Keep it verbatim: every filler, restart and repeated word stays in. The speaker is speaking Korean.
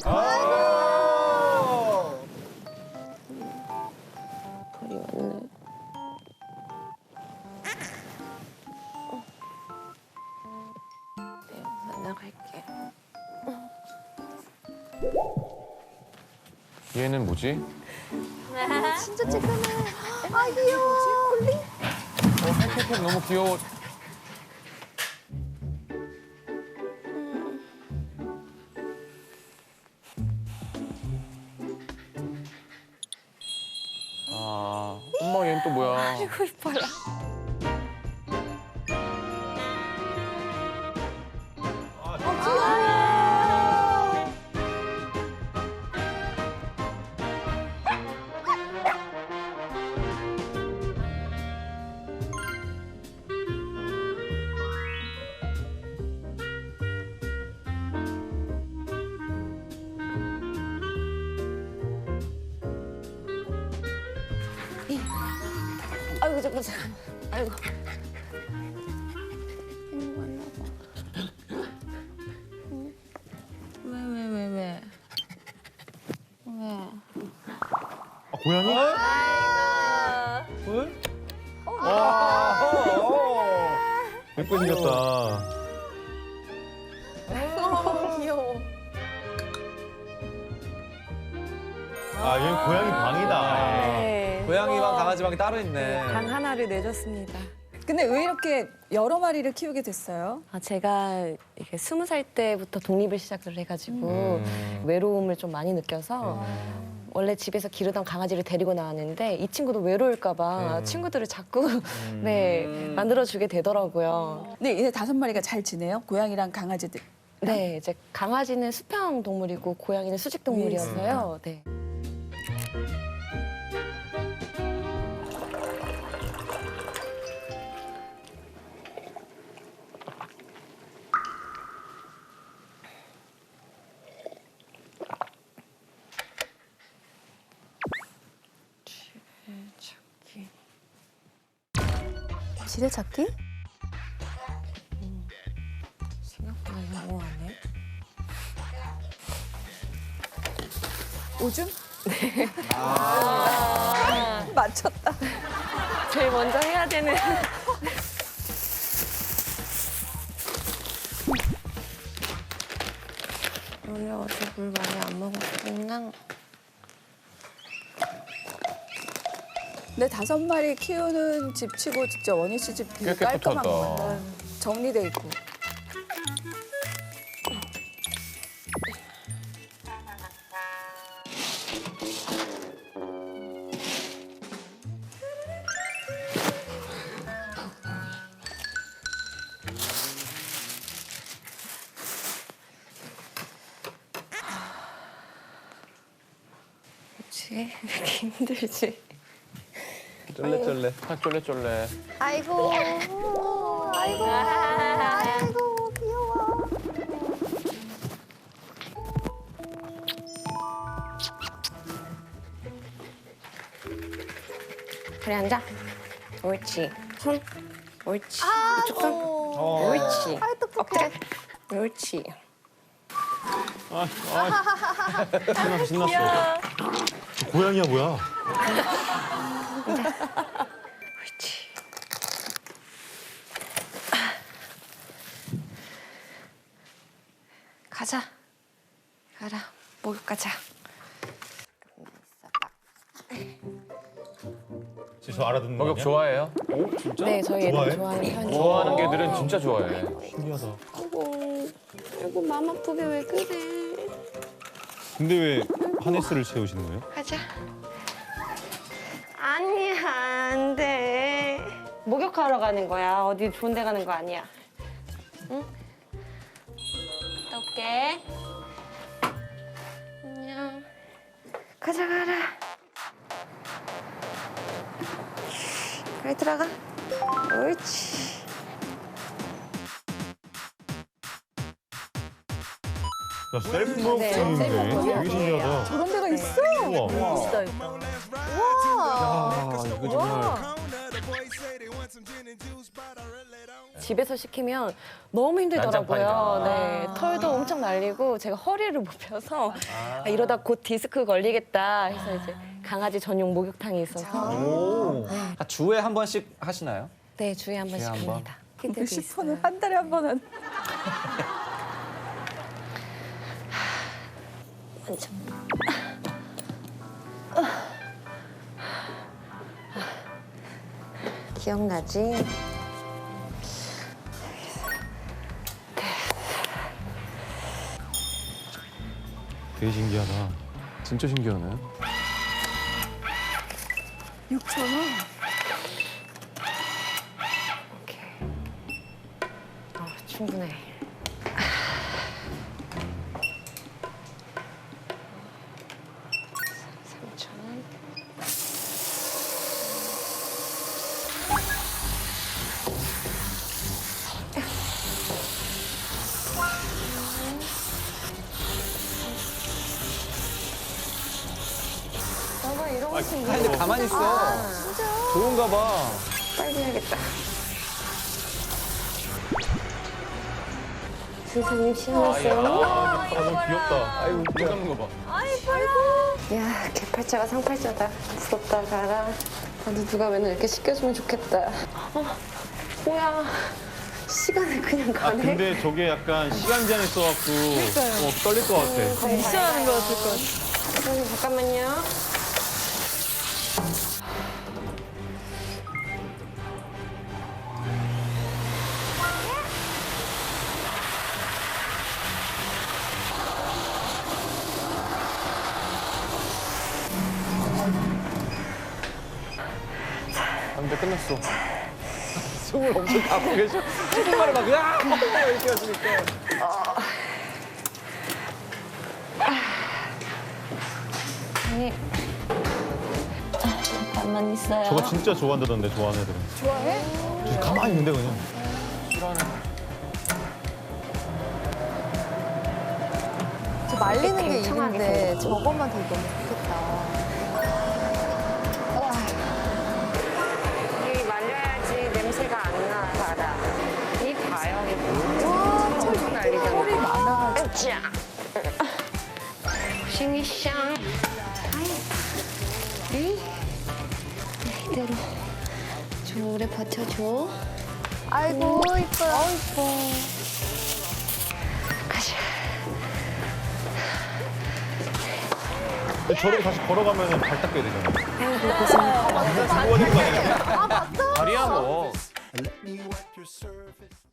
벌이 왔네. 네, 나갈게. 얘는 뭐지? 진짜 찌끄네. 아 귀여워. 콜리. 어, 팩팩팩 너무 귀여워. 아, 엄마 얘는 또 뭐야? 아이고 이뻐라. 아이고 잠깐 잠깐. 아이고. 이모 만나봐. 왜왜 왜 왜? 왜? 아, 고양이? 예쁘게 생겼다. 귀여워. 아, 얘는 고양이 방이다. 네. 고양이방 강아지방이 따로 있네. 방 하나를 내줬습니다. 근데 왜 이렇게 여러 마리를 키우게 됐어요? 아, 제가 이게 스무 살 때부터 독립을 시작을 해가지고 외로움을 좀 많이 느껴서 원래 집에서 기르던 강아지를 데리고 나왔는데 이 친구도 외로울까봐 친구들을 자꾸 네 만들어주게 되더라고요. 근데 이제 다섯 마리가 잘 지내요? 고양이랑 강아지들. 네, 이제 강아지는 수평 동물이고 고양이는 수직 동물이어서요. 네. 지뢰찾기. 지뢰찾기? 생각보다 영어하네. 오줌? 네. 아 맞췄다. 제일 먼저 해야 되는. 오늘 어제 물 많이 안 먹었구나. 근데 다섯 마리 키우는 집 치고 진짜 원희 씨 집 되게 꽤 깔끔한 것 깨끗하다. 같아요. 정리돼 있고. 그렇지? 왜 이렇게 힘들지? 쫄래쫄래. 아, 쫄래쫄래. 아이고. 아이고. 아이고 귀여워. 그래 앉아. 옳지. 손. 옳지. 이쪽 손. 옳지. 아이 똑똑해. 엎드려. 옳지. 아, 아. 신났어, 신났어. 저 고양이야, 뭐야? 옳지. 가자. 가라. 목욕 가자. 저 알아듣는 거 목욕 아니야? 좋아해요? 네, 저희 좋아해? 애들 좋아하는 편이에요. 좋아하는 개들은 진짜 좋아해. 신기하다. 아이고, 아이고 맘 아프게 왜 그래? 근데 왜 하네스를 채우시는 거예요? 가자. 아니야, 안 돼. 목욕하러 가는 거야. 어디 좋은 데 가는 거 아니야. 응? 갔다 올게. 안녕. 가자, 가라. 그래, 들어가. 옳지. 야, 셀프 네, 목욕탕인데 셀프 목욕탕이에요. 되게 신기하다. 저런 데가 있어? 우와. 멋있다 이거. 아, 이거 정말. 집에서 시키면 너무 힘들더라고요. 난장판이다. 네, 털도 엄청 날리고 제가 허리를 못 펴서 아, 이러다 곧 디스크 걸리겠다 해서 이제 강아지 전용 목욕탕이 있어서 오. 아, 주에 한 번씩 하시나요? 네, 주에 한 번씩 주에 한 번? 합니다. 키드도 십 분은 있어요. 한 달에 한 번은. 완전. 기억나지? 되게 신기하다. 진짜 신기하네. 육천 원? 오케이. 어, 충분해. 삼천 원. 너가 이러고 있으면 아, 근데 가만히 있어. 좋은가 봐. 빨리 해야겠다. 선생님 시원했어요. 아, 너무 귀엽다. 아이고, 눈 감는 거 봐. 야, 개팔자가 상팔자다. 부럽다, 가라. 나도 누가 맨날 이렇게 시켜주면 좋겠다. 어, 뭐야. 시간을 그냥 아, 가네. 근데 저게 약간 시간 제한이 있어갖고 어, 떨릴 것 같아. 미션하는 거 같을 것 같아. 선생님, 잠깐만요. 안돼 끝났어. 숨을 엄청 가쁘게 계셔. 십 분 만에 막, 으아! 이렇게 하시니까. 선생님. 아, 잠깐만 있어요. 저거 진짜 좋아한다던데, 좋아하는 애들은. 좋아해? 진짜 가만히 있는데 그냥. 저 말리는 게 팽창하게 일인데 생겼어. 저것만 되게 너무 좋겠다. 이 말려야지 냄새가 안 나, 가라. 이 봐요. 와, 털 엄청 날리잖아. 털이 많아가지고. 으쌰. 고생이샹. 아이. 이대로 좀 오래 버텨줘. 아이고, 이뻐요. 아, 이뻐. 가자. 근데 저렇게 다시 걸어가면 발 닦여야 되잖아. 아, 맞다. 다리야 뭐. Let me wipe your surface.